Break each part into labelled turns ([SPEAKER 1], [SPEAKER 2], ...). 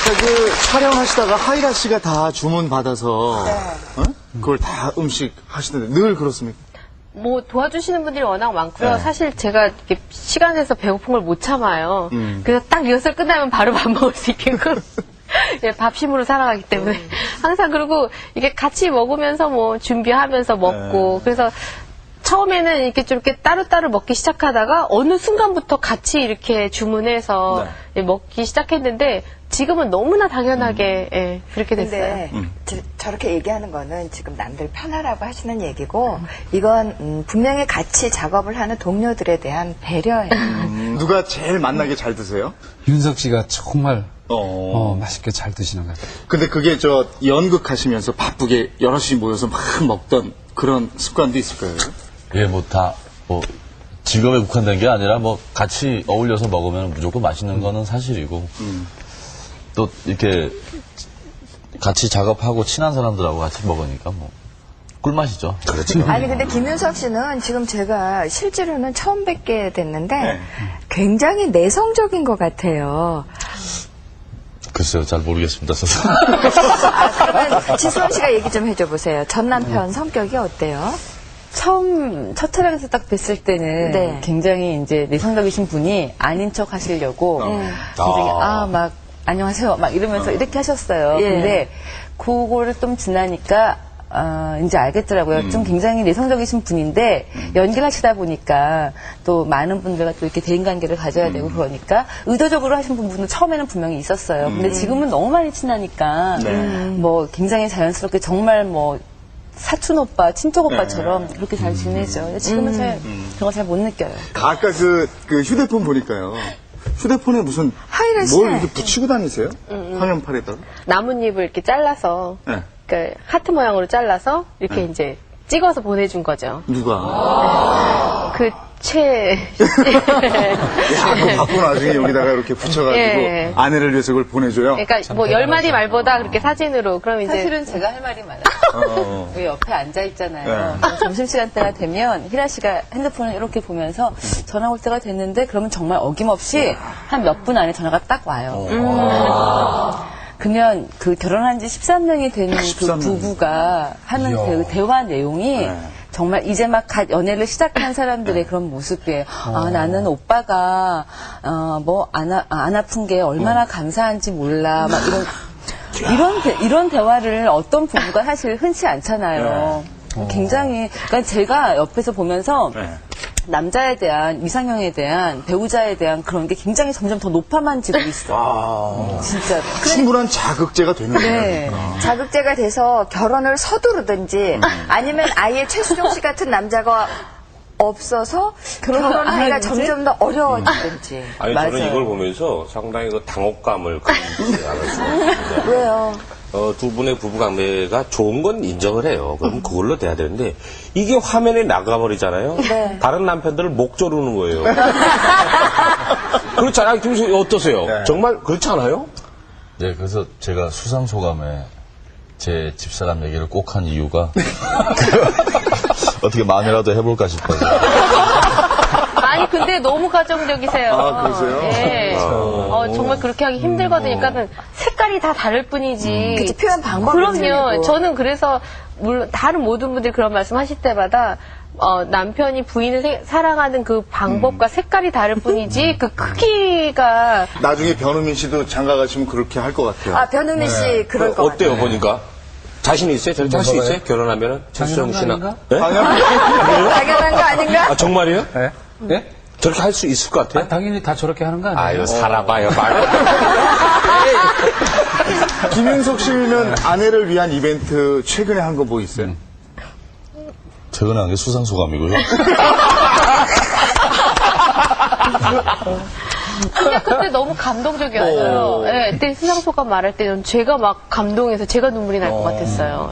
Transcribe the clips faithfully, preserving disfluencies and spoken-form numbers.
[SPEAKER 1] 아까 그 촬영하시다가 하이라 씨가 다 주문 받아서
[SPEAKER 2] 네.
[SPEAKER 1] 어? 그걸 다 음식 하시는데 늘 그렇습니까?
[SPEAKER 3] 뭐 도와주시는 분들이 워낙 많고요.
[SPEAKER 1] 네.
[SPEAKER 3] 사실 제가 이렇게 시간 내서 배고픈 걸 못 참아요.
[SPEAKER 1] 음.
[SPEAKER 3] 그래서 딱 리허설 끝나면 바로 밥 먹을 수 있게끔 예, 밥심으로 살아가기 때문에 항상 그리고 이게 같이 먹으면서 뭐 준비하면서 먹고
[SPEAKER 1] 네.
[SPEAKER 3] 그래서 처음에는 이렇게 좀 이렇게 따로따로 먹기 시작하다가 어느 순간부터 같이 이렇게 주문해서
[SPEAKER 1] 네.
[SPEAKER 3] 예, 먹기 시작했는데 지금은 너무나 당연하게
[SPEAKER 1] 음.
[SPEAKER 3] 예, 그렇게 됐어요.
[SPEAKER 2] 근데
[SPEAKER 1] 음.
[SPEAKER 2] 저, 저렇게 얘기하는 거는 지금 남들 편하라고 하시는 얘기고 이건 음, 분명히 같이 작업을 하는 동료들에 대한 배려예요.
[SPEAKER 1] 음, 누가 제일 맛나게 잘 드세요?
[SPEAKER 4] 윤석 씨가 정말
[SPEAKER 1] 어.
[SPEAKER 4] 어, 맛있게 잘 드시는 것 같아요.
[SPEAKER 1] 근데 그게 저 연극 하시면서 바쁘게 여럿이 모여서 막 먹던 그런 습관도 있을 거예요.
[SPEAKER 5] 예, 뭐 다, 뭐, 직업에 국한된 게 아니라 뭐 같이 어울려서 먹으면 무조건 맛있는 거는 사실이고,
[SPEAKER 1] 음.
[SPEAKER 5] 또 이렇게 같이 작업하고 친한 사람들하고 같이 먹으니까 뭐, 꿀맛이죠. 그렇죠.
[SPEAKER 2] 아니 근데 김윤석 씨는 지금 제가 실제로는 처음 뵙게 됐는데
[SPEAKER 1] 네.
[SPEAKER 2] 굉장히 내성적인 것 같아요.
[SPEAKER 5] 글쎄요, 잘 모르겠습니다. 저도.
[SPEAKER 2] 아, 그러면 지수원 씨가 얘기 좀 해줘 보세요. 전 남편 성격이 어때요?
[SPEAKER 6] 처음 첫 촬영에서 딱 뵀을 때는
[SPEAKER 2] 네.
[SPEAKER 6] 굉장히 이제 내성적이신 분이 아닌 척 하시려고 굉장히 아 막 안녕하세요 막 이러면서 이렇게 하셨어요.
[SPEAKER 2] 예.
[SPEAKER 6] 근데 그거를 좀 지나니까 아, 이제 알겠더라고요.
[SPEAKER 1] 음.
[SPEAKER 6] 좀 굉장히 내성적이신 분인데 연기를 하시다 보니까 또 많은 분들과 또 이렇게 대인관계를 가져야
[SPEAKER 1] 음.
[SPEAKER 6] 되고 그러니까 의도적으로 하신 부분은 처음에는 분명히 있었어요. 근데 지금은 너무 많이 친하니까
[SPEAKER 1] 네.
[SPEAKER 6] 뭐 굉장히 자연스럽게 정말 뭐 사촌 오빠, 친척 오빠처럼
[SPEAKER 1] 네.
[SPEAKER 6] 그렇게 잘 지내죠. 지금은 잘 그런 거 잘 못 느껴요.
[SPEAKER 1] 아까 그, 그 휴대폰 보니까요. 휴대폰에 무슨
[SPEAKER 2] 하이라 씨.
[SPEAKER 1] 뭘 이렇게 붙이고 다니세요? 화면팔에다가?
[SPEAKER 3] 나뭇잎을 이렇게 잘라서
[SPEAKER 1] 네.
[SPEAKER 3] 그 하트 모양으로 잘라서 이렇게 이제 찍어서 보내준 거죠.
[SPEAKER 1] 누가?
[SPEAKER 3] 그 최.
[SPEAKER 1] 야, 그거 받고 나중에 여기다가 이렇게 붙여가지고
[SPEAKER 3] 예.
[SPEAKER 1] 아내를 위해서 그걸 보내줘요?
[SPEAKER 3] 그러니까 뭐 열 마디 말보다 그렇게 사진으로 그럼 이제
[SPEAKER 6] 사실은 제가 할 말이 많아요.
[SPEAKER 1] 어.
[SPEAKER 6] 여기 옆에 앉아 있잖아요.
[SPEAKER 1] 네.
[SPEAKER 6] 그래서 점심시간 때가 되면 희라 씨가 핸드폰을 이렇게 보면서 전화 올 때가 됐는데 그러면 정말 어김없이 한 몇 분 안에 전화가 딱 와요. 그러면 그 결혼한 지 십삼 년이 된 그
[SPEAKER 1] 십삼 년.
[SPEAKER 6] 부부가 하는 그 대화 내용이
[SPEAKER 1] 네.
[SPEAKER 6] 정말 이제 막 갓 연애를 시작한 사람들의 그런 모습이에요. 아, 나는 오빠가, 어, 뭐, 안, 아, 안 아픈 게 얼마나 감사한지 몰라. 막 이런, 이런, 대, 이런 대화를 어떤 부부가 사실 흔치 않잖아요. 굉장히, 그러니까 제가 옆에서 보면서
[SPEAKER 1] 네.
[SPEAKER 6] 남자에 대한, 이상형에 대한, 배우자에 대한 그런 게 굉장히 점점 더 높아만지고 있어요.
[SPEAKER 1] 아.
[SPEAKER 6] 진짜로.
[SPEAKER 1] 충분한 자극제가 되는 거예요.
[SPEAKER 6] 네.
[SPEAKER 2] 자극제가 돼서 결혼을 서두르든지 아니면 아예 최수종 씨 같은 남자가 없어서
[SPEAKER 6] 결혼을 안
[SPEAKER 2] 결혼하기가
[SPEAKER 6] 하든지?
[SPEAKER 2] 점점 더 어려워지든지.
[SPEAKER 7] 아니
[SPEAKER 6] 맞아요.
[SPEAKER 7] 저는 이걸 보면서 상당히 그 당혹감을 가지지 않았습니다.
[SPEAKER 2] 왜요?
[SPEAKER 7] 어, 두 분의 부부관계가 좋은 건 인정을 해요. 그럼 그걸로 돼야 되는데 이게 화면에 나가버리잖아요.
[SPEAKER 2] 네.
[SPEAKER 7] 다른 남편들을 목 조르는 거예요. 그렇지 않아요? 김수 어떠세요?
[SPEAKER 1] 네.
[SPEAKER 7] 정말 그렇지 않아요?
[SPEAKER 5] 예, 그래서 제가 수상소감에 제 집사람 얘기를 꼭 한 이유가 어떻게 마음이라도 해볼까 싶어서.
[SPEAKER 3] 아니 근데 너무 가정적이세요.
[SPEAKER 1] 아, 그러세요?
[SPEAKER 3] 예. 어, 정말 그렇게 하기 힘들거든요. 그러니까 색깔이 다 다를 뿐이지.
[SPEAKER 2] 그치, 표현 방법이
[SPEAKER 3] 그럼요.
[SPEAKER 2] 틀리고.
[SPEAKER 3] 저는 그래서 물론 다른 모든 분들이 그런 말씀하실 때마다 어, 남편이 부인을 세- 사랑하는 그 방법과 색깔이 다를 뿐이지 그 크기가
[SPEAKER 1] 나중에 변우민 씨도 장가 가시면 그렇게 할 것 같아요.
[SPEAKER 2] 아, 변우민 씨 그럴 것
[SPEAKER 7] 어때요
[SPEAKER 2] 같아요.
[SPEAKER 7] 보니까? 자신 있어요? 저렇게 할 수 있어요? 결혼하면은? 최수정 씨나.
[SPEAKER 4] 아닌가?
[SPEAKER 7] 네?
[SPEAKER 2] 당연한 거 아닌가?
[SPEAKER 7] 아, 정말이요?
[SPEAKER 4] 네? 네?
[SPEAKER 7] 저렇게 할 수 있을 것 같아요?
[SPEAKER 4] 아, 당연히 다 저렇게 하는 거 아니에요?
[SPEAKER 7] 아유, 살아봐요, 말.
[SPEAKER 1] 김윤석 씨면 아내를 위한 이벤트 최근에 한 거 뭐 있어요?
[SPEAKER 5] 최근에 한 게 수상소감이고요.
[SPEAKER 3] 근데 그때 너무 감동적이었어요. 예, 그때 수상소감 말할 때는 제가 막 감동해서 제가 눈물이 날 것 같았어요.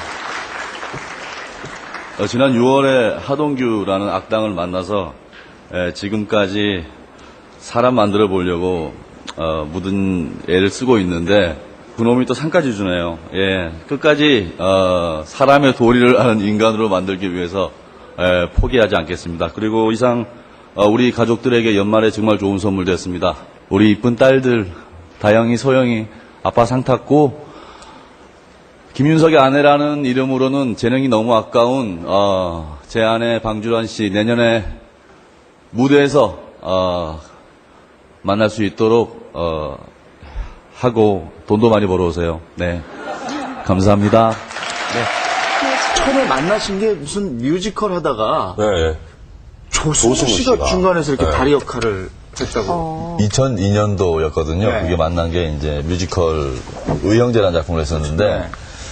[SPEAKER 8] 어, 지난 유월에 하동규라는 악당을 만나서 에, 지금까지 사람 만들어 보려고 어, 묻은 애를 쓰고 있는데 그놈이 또 상까지 주네요. 예, 끝까지 어, 사람의 도리를 아는 인간으로 만들기 위해서 에, 포기하지 않겠습니다. 그리고 이상 어, 우리 가족들에게 연말에 정말 좋은 선물 됐습니다. 우리 이쁜 딸들 다영이, 소영이 아빠 상 탔고, 김윤석의 아내라는 이름으로는 재능이 너무 아까운 어, 제 아내 방주란 씨 내년에 무대에서 어, 만날 수 있도록 어, 하고 돈도 많이 벌어오세요. 네, 감사합니다.
[SPEAKER 1] 처음에 만나신 게 무슨 뮤지컬 하다가
[SPEAKER 7] 네.
[SPEAKER 1] 조승우
[SPEAKER 7] 조승우
[SPEAKER 1] 씨가,
[SPEAKER 7] 씨가.
[SPEAKER 1] 중간에서 이렇게
[SPEAKER 7] 네.
[SPEAKER 1] 다리 역할을 했다고.
[SPEAKER 5] 이천이 년도였거든요.
[SPEAKER 1] 네.
[SPEAKER 5] 그게 만난 게 이제 뮤지컬 의형제라는 작품을 했었는데
[SPEAKER 1] 네.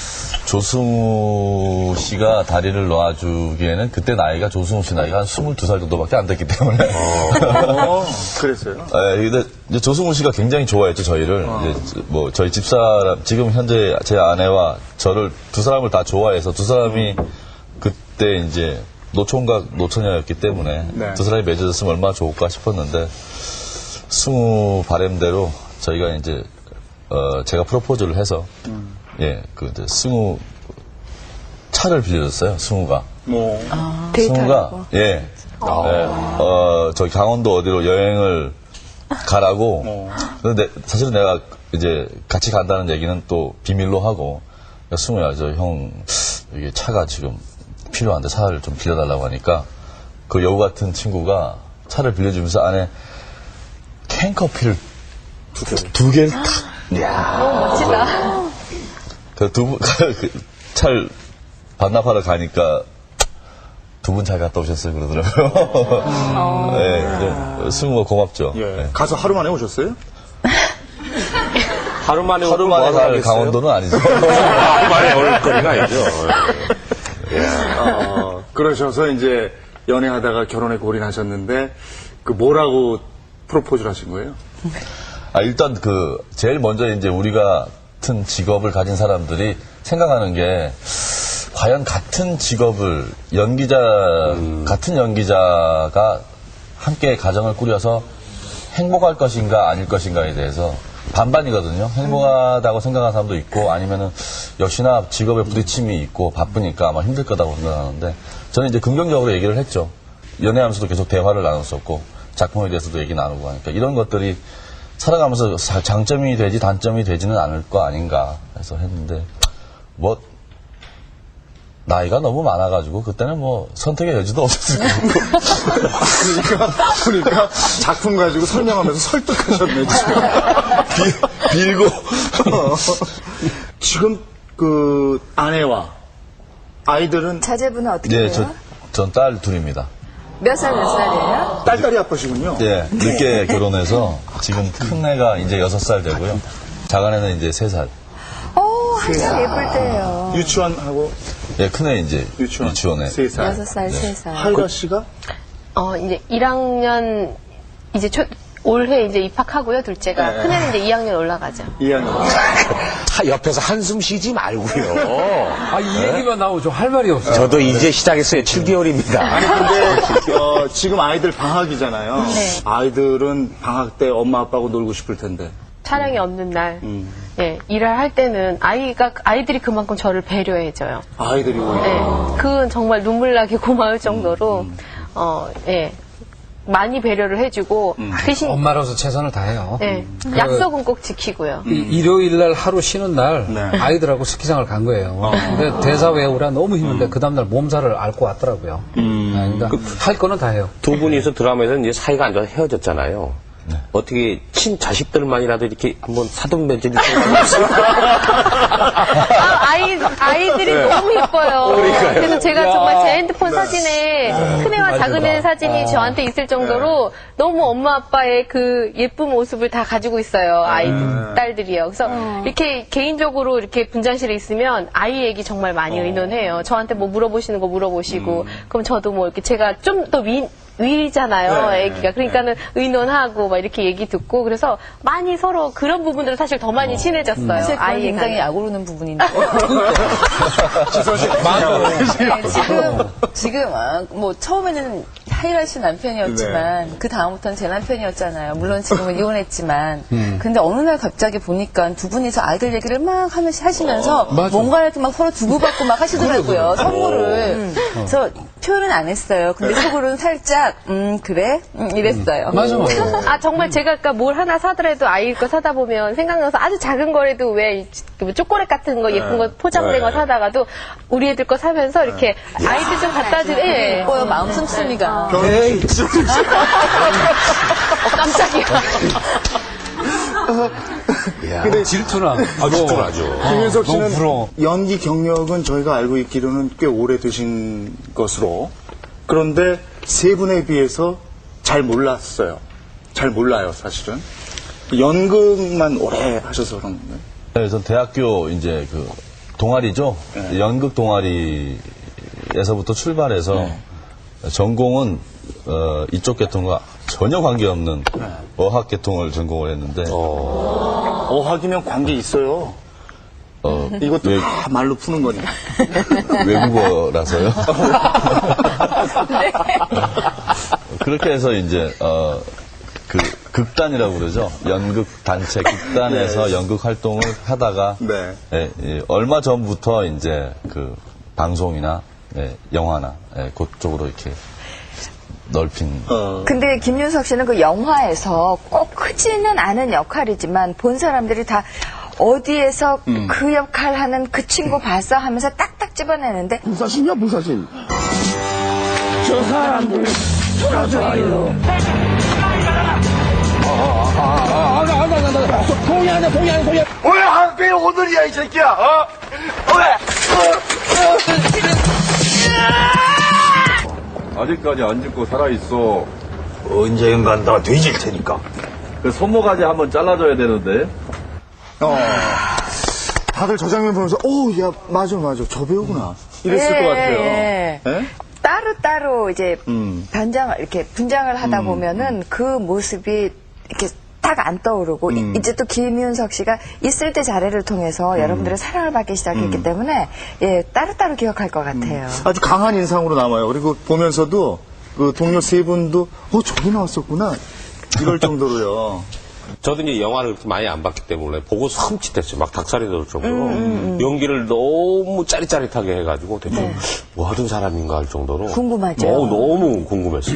[SPEAKER 5] 조승우 씨가 다리를 놓아주기에는 그때 나이가 조승우 씨 나이가 한 스물두 살 정도밖에 안 됐기 때문에.
[SPEAKER 1] 어, 그랬어요?
[SPEAKER 5] 네, 근데 이제 조승우 씨가 굉장히 좋아했죠, 저희를. 이제 뭐 저희 집사람, 지금 현재 제 아내와 저를 두 사람을 다 좋아해서 두 사람이 그때 이제 노총각, 노처녀였기 때문에
[SPEAKER 1] 네.
[SPEAKER 5] 두 사람이 맺어졌으면 얼마나 좋을까 싶었는데 승우 바램대로 저희가 이제 어, 제가 프로포즈를 해서 예, 그 이제 승우 차를 빌려줬어요, 승우가.
[SPEAKER 1] 뭐.
[SPEAKER 5] 승우가 예, 예, 어, 저기 강원도 어디로 여행을 가라고.
[SPEAKER 1] 어.
[SPEAKER 5] 근데 사실은 내가 이제 같이 간다는 얘기는 또 비밀로 하고, 야, 승우야, 저 형 이게 차가 지금 필요한데 차를 좀 빌려달라고 하니까 그 여우 같은 친구가 차를 빌려주면서 안에 캔커피를 두, 두 개를 탁.
[SPEAKER 3] 너무 멋지다.
[SPEAKER 5] 그 두 분, 그 차를 반납하러 가니까 두 분 잘 갔다 오셨어요, 그러더라고요. 네, 네, 승우가 고맙죠.
[SPEAKER 1] 예.
[SPEAKER 5] 네.
[SPEAKER 1] 가서 하루 만에 오셨어요?
[SPEAKER 7] 하루 만에
[SPEAKER 5] 하루
[SPEAKER 7] 오고
[SPEAKER 5] 만에
[SPEAKER 7] 뭐하러
[SPEAKER 5] 갈
[SPEAKER 7] 가겠어요?
[SPEAKER 5] 강원도는 아니죠.
[SPEAKER 7] 하루 만에 올 거리가 아니죠.
[SPEAKER 1] 어, 그러셔서 이제 연애하다가 결혼에 골인하셨는데, 그 뭐라고 프로포즈를 하신 거예요?
[SPEAKER 5] 아, 일단 그, 제일 먼저 이제 우리가 같은 직업을 가진 사람들이 생각하는 게, 과연 같은 직업을, 연기자, 음. 같은 연기자가 함께 가정을 꾸려서 행복할 것인가 아닐 것인가에 대해서 반반이거든요. 행복하다고 생각하는 사람도 있고, 아니면은 역시나 직업에 부딪힘이 있고 바쁘니까 아마 힘들 거다고 생각하는데, 저는 이제 긍정적으로 얘기를 했죠. 연애하면서도 계속 대화를 나눴었고, 작품에 대해서도 얘기 나누고 하니까, 이런 것들이 살아가면서 장점이 되지 단점이 되지는 않을 거 아닌가 해서 했는데, 뭐, 나이가 너무 많아가지고, 그때는 뭐, 선택의 여지도 없었을 거고.
[SPEAKER 1] 그러니까, 그러니까, 작품 가지고 설명하면서 설득하셨네, 지금.
[SPEAKER 5] 빌, 빌고.
[SPEAKER 1] 어. 지금, 그, 아내와 아이들은
[SPEAKER 2] 자제분은 어떻게
[SPEAKER 5] 예,
[SPEAKER 2] 돼요?
[SPEAKER 5] 저, 전 딸 둘입니다.
[SPEAKER 2] 몇 살, 몇 살이에요?
[SPEAKER 1] 딸딸이 아빠시군요.
[SPEAKER 5] 예, 늦게 결혼해서, 지금 큰 애가 이제 여섯 살 되고요. 작은 애는 이제 세 살.
[SPEAKER 2] 오, 한참 예쁠 때예요.
[SPEAKER 1] 유치원하고
[SPEAKER 5] 예, 큰 애 이제
[SPEAKER 1] 유치원.
[SPEAKER 5] 유치원에.
[SPEAKER 1] 세 살.
[SPEAKER 2] 여섯 살, 세 살.
[SPEAKER 1] 하이라 씨가?
[SPEAKER 3] 어, 이제 일 학년, 이제 초, 올해 이제 입학하고요, 둘째가.
[SPEAKER 1] 네.
[SPEAKER 3] 큰애는 이제 이 학년 올라가죠.
[SPEAKER 1] 이 학년.
[SPEAKER 7] 하, 옆에서 한숨 쉬지 말고요.
[SPEAKER 4] 아, 이 얘기만 나오죠. 할 말이 없어요.
[SPEAKER 7] 저도 이제 시작했어요. 칠 개월입니다.
[SPEAKER 1] 아니, 근데, 어, 지금 아이들 방학이잖아요.
[SPEAKER 3] 네.
[SPEAKER 1] 아이들은 방학 때 엄마 아빠하고 놀고 싶을 텐데.
[SPEAKER 3] 촬영이 없는 날,
[SPEAKER 1] 음.
[SPEAKER 3] 예, 일을 할 때는 아이가, 아이들이 그만큼 저를 배려해줘요.
[SPEAKER 1] 아이들이 오히려.
[SPEAKER 3] 예, 그건 정말 눈물 나게 고마울 정도로, 어, 예, 많이 배려를 해주고, 대신,
[SPEAKER 4] 엄마로서 최선을 다해요.
[SPEAKER 3] 예,
[SPEAKER 4] 그-
[SPEAKER 3] 약속은 꼭 지키고요.
[SPEAKER 4] 이- 일요일 날 하루 쉬는 날
[SPEAKER 1] 네.
[SPEAKER 4] 아이들하고 스키장을 간 거예요. 근데 대사 외우라 너무 힘든데 그 다음날 몸살을 앓고 왔더라고요. 아, 그러니까 할 거는 다 해요.
[SPEAKER 7] 두 분이서 드라마에서 이제 사이가 안 좋아서 헤어졌잖아요. 어떻게 친 자식들만이라도 이렇게 한번 사돈 맺을 생각이 없어요?
[SPEAKER 3] 아, 아이, 아이들이 너무 예뻐요. 그래서 제가 정말 제 핸드폰 사진에 큰애와 작은애 사진이 저한테 있을 정도로 너무 엄마 아빠의 그 예쁜 모습을 다 가지고 있어요. 아이들, 딸들이요. 그래서 이렇게 개인적으로 이렇게 분장실에 있으면 아이 얘기 정말 많이 의논해요. 저한테 뭐 물어보시는 거 물어보시고, 그럼 저도 뭐 이렇게 제가 좀 더 위, 위잖아요,
[SPEAKER 1] 네.
[SPEAKER 3] 애기가. 그러니까는 의논하고 막 이렇게 얘기 듣고 그래서 많이 서로 그런 부분들은 사실 더 많이 친해졌어요.
[SPEAKER 6] 사실 그건
[SPEAKER 3] 아이에
[SPEAKER 6] 굉장히
[SPEAKER 3] 관해.
[SPEAKER 6] 약오르는 부분인데.
[SPEAKER 1] 지선 씨.
[SPEAKER 6] 네, 지금, 지금, 아, 뭐, 처음에는 하이라 씨 남편이었지만, 그 다음부터는 제 남편이었잖아요. 물론 지금은 이혼했지만. 근데 어느 날 갑자기 보니까 두 분이서 아이들 얘기를 막 하면서 하시면서,
[SPEAKER 4] 맞아.
[SPEAKER 6] 뭔가 이렇게 막 서로 주고받고 막 하시더라고요. 선물을. 그래서 표현은 안 했어요. 근데 속으로는 살짝 음 그래 음, 이랬어요.
[SPEAKER 4] 맞아, 맞아.
[SPEAKER 3] 아 정말 제가 아까 뭘 하나 사더라도 아이 거 사다 보면 생각나서 아주 작은 거라도 왜 이 초콜릿 같은 거 예쁜 거 포장된 거 사다가도 우리 애들 거 사면서 이렇게 아이들 좀 갖다 주. 예.
[SPEAKER 6] 예뻐요 마음 씀씀이가.
[SPEAKER 1] 에이,
[SPEAKER 3] 어, 깜짝이야.
[SPEAKER 1] 근데
[SPEAKER 4] 질투나.
[SPEAKER 7] 아, 질투나죠.
[SPEAKER 1] 김윤석
[SPEAKER 4] 너무
[SPEAKER 1] 씨는
[SPEAKER 4] 부러워.
[SPEAKER 1] 연기 경력은 저희가 알고 있기로는 꽤 오래 되신 것으로, 그런데 세 분에 비해서 잘 몰랐어요. 잘 몰라요, 사실은. 연극만 오래 하셔서 그런 건가요?
[SPEAKER 5] 네, 전 대학교 이제 그 동아리죠.
[SPEAKER 1] 네.
[SPEAKER 5] 연극 동아리에서부터 출발해서
[SPEAKER 1] 네.
[SPEAKER 5] 전공은 어, 이쪽 계통과 전혀 관계없는
[SPEAKER 1] 네.
[SPEAKER 5] 어학 계통을 전공을 했는데
[SPEAKER 1] 어학이면 관계 있어요.
[SPEAKER 5] 어,
[SPEAKER 1] 이것도
[SPEAKER 5] 외,
[SPEAKER 1] 다 말로 푸는 거니까.
[SPEAKER 5] 외국어라서요. 그렇게 해서 이제 어, 그 극단이라고 그러죠. 연극 단체 극단에서 연극 활동을 하다가
[SPEAKER 1] 네.
[SPEAKER 5] 예, 예, 얼마 전부터 이제 그 방송이나 예, 영화나 예, 그쪽으로 이렇게 넓힌.
[SPEAKER 1] 어.
[SPEAKER 2] 근데 김윤석 씨는 그 영화에서 꼭 크지는 않은 역할이지만 본 사람들이 다 어디에서 그 역할 하는 그 친구 봤어 하면서 딱딱 집어내는데
[SPEAKER 9] 불사신이야 불사신. 저 사람들 돌아줘요. 동의하네 동의하네 동의. 왜 한국에 오늘이야 이 새끼야? 어? 왜?
[SPEAKER 8] 아직까지 안 죽고 살아있어.
[SPEAKER 9] 언젠간 간다 뒤질 테니까.
[SPEAKER 8] 그 손모가지 한번 잘라줘야 되는데.
[SPEAKER 1] 어. 다들 저 장면 보면서, 오, 야, 맞아, 맞아. 저 배우구나. 이랬을
[SPEAKER 2] 예,
[SPEAKER 1] 것 같아요.
[SPEAKER 2] 예.
[SPEAKER 1] 예?
[SPEAKER 2] 따로따로 이제
[SPEAKER 1] 음.
[SPEAKER 2] 단장을 이렇게 분장을 하다 보면은 그 모습이 이렇게 딱 안 떠오르고 이- 이제 또 김윤석 씨가 있을 때 자리를 통해서 여러분들의 사랑을 받기 시작했기 때문에 예 따로따로 기억할 것 같아요.
[SPEAKER 1] 아주 강한 인상으로 남아요. 그리고 보면서도 그 동료 세 분도, 어, 저기 나왔었구나. 이럴 정도로요.
[SPEAKER 7] 저도 이제 영화를 그렇게 많이 안 봤기 때문에 보고 섬찟했어요. 막 닭살이 돋을 정도로. 연기를 너무 짜릿짜릿하게 해가지고 대체 뭐 하던 사람인가 할 정도로.
[SPEAKER 2] 궁금하죠.
[SPEAKER 7] 너무, 너무 궁금했어요.